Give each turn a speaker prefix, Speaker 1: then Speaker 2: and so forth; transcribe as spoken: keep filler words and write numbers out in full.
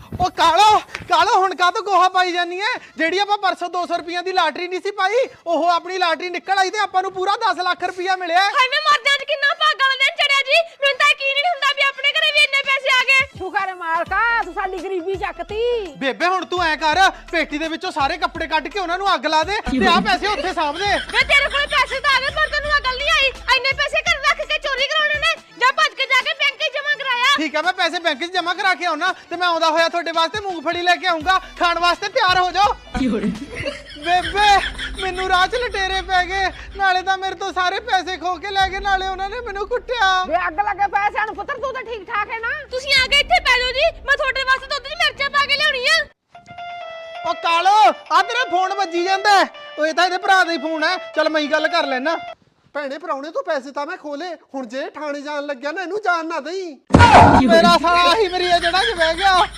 Speaker 1: ਉਹ ਕਾਲੋ ਕਾਲੋ ਹੁਣ ਕਾ ਤੋ ਗੋਹਾ ਪਾਈ ਜਾਨੀ ਐ ਜਿਹੜੀ ਆਪਾਂ ਪਰਸੋਂ ਦੋ ਸੌ ਰੁਪਈਆ ਦੀ ਲਾਟਰੀ ਨਹੀਂ ਸੀ ਪਾਈ ਉਹ ਆਪਣੀ ਲਾਟਰੀ ਨਿਕਲ ਆਈ ਤੇ ਆਪਾਂ ਨੂੰ ਪੂਰਾ ਦਸ ਲੱਖ ਰੁਪਈਆ ਮਿਲਿਆ।
Speaker 2: ਹਾਏ ਮੈਂ ਮਰ ਜਾਂ ਕਿੰਨਾ ਭਾਗਾ ਵਾਲਾ ਦਿਨ ਚੜਿਆ ਜੀ ਮੈਨੂੰ ਤਾਂ ਯਕੀਨ ਹੀ ਨਹੀਂ ਹੁੰਦਾ ਵੀ ਆਪਣੇ ਘਰੇ ਵੀ ਇੰਨੇ ਪੈਸੇ ਆ ਗਏ।
Speaker 3: ਸ਼ੁਕਰ ਮਾਲਕਾ ਤੂੰ ਸਾਡੀ ਗਰੀਬੀ ਚੱਕਤੀ।
Speaker 1: ਬੇਬੇ ਹੁਣ ਤੂੰ ਐ ਕਰ ਪੇਟੀ ਦੇ ਵਿੱਚੋਂ ਸਾਰੇ ਕੱਪੜੇ ਕੱਢ ਕੇ ਉਹਨਾਂ ਨੂੰ ਅੱਗ ਲਾ ਦੇ ਤੇ ਆ ਪੈਸੇ ਉੱਥੇ ਸਾਂਭ ਦੇ।
Speaker 2: ਮੈਂ ਤੇਰੇ ਕੋਲ ਪੈਸੇ ਤਾਂ ਆ ਗਏ ਪਰ ਤੈਨੂੰ ਅਕਲ ਨਹੀਂ ਆਈ ਇੰਨੇ ਪੈਸੇ ਘਰ ਰੱਖ ਕੇ ਚੋਰੀ ਕਰਾਉਣੇ ਨੇ ਜਾਂ ਭੱਜ ਕੇ ਜਾ ਕੇ ਬੈਂਕ 'ਚ ਜਮ੍ਹਾਂ ਕਰਾਇਆ।
Speaker 1: ਠੀਕ ਹੈ ਮੈਂ ਪੈਸੇ ਬੈਂਕ 'ਚ ਜਮ੍ਹਾਂ ਕਰਾ ਕੇ ਆਉਣਾ ਤੇ ਮੈਂ ਆਉਂਦਾ ਹੋਇਆ ਤੁਹਾਡੇ ਵਾਸਤੇ ਮੂੰਗਫਲੀ ਲੈ ਕੇ ਆਉਂਗਾ ਖਾਣ ਵਾਸਤੇ ਤਿਆਰ ਹੋ ਜਾਓ। ਬੇਬੇ ਮੈਨੂੰ ਰਾਹ 'ਚ ਲਟੇਰੇ ਪੈ ਗਏ ਨਾਲੇ ਤਾਂ ਮੇਰੇ ਤੋਂ ਸਾਰੇ ਪੈਸੇ ਖੋ ਕੇ ਲੈ ਗਏ ਨਾਲੇ ਉਹਨਾਂ ਨੇ ਮੈਨੂੰ ਕੁੱਟਿਆ।
Speaker 3: ਵੇ ਅੱਗ ਲੱਗੇ ਪੈਸਿਆਂ ਨੂੰ ਪੁੱਤਰ ਤੂੰ ਤਾਂ ਠੀਕ ਠਾਕ ਹੈ ਨਾ।
Speaker 2: ਤੁਸੀਂ ਆ ਕੇ ਇੱਥੇ ਪੈ ਜਾਓ ਜੀ ਮੈਂ ਤੁਹਾਡੇ ਵਾਸਤੇ ਦੁੱਧ 'ਚ ਮਿਰਚਾਂ ਪਾ ਕੇ ਲਿਆਉਣੀ ਆ।
Speaker 1: ਉਹ ਕਾਲੋ ਆ ਤੇਰਾ ਫੋਨ ਵੱਜੀ ਜਾਂਦਾ ਉਹ ਇਹ ਤਾਂ ਇਹਦੇ ਭਰਾ ਦਾ ਹੀ ਫੋਨ ਹੈ ਚੱਲ ਮੈਂ ਹੀ ਗੱਲ ਕਰ ਲੈਣਾ।
Speaker 4: ਭੈਣੇ ਭਰਾਉਣੇ ਤੋਂ ਪੈਸੇ ਤਾਂ ਮੈਂ ਖੋਲੇ ਹੁਣ ਜੇ ਥਾਣੇ ਜਾਣ ਲੱਗਿਆ ਨਾ ਇਹਨੂੰ ਜਾਣ ਨਾ ਦੇਈ।
Speaker 1: ਮੇਰਾ ਸਾਲਾ ਹੀ ਮੇਰੀ ਇਹ ਜੜਾ 'ਚ ਬਹਿ ਗਿਆ।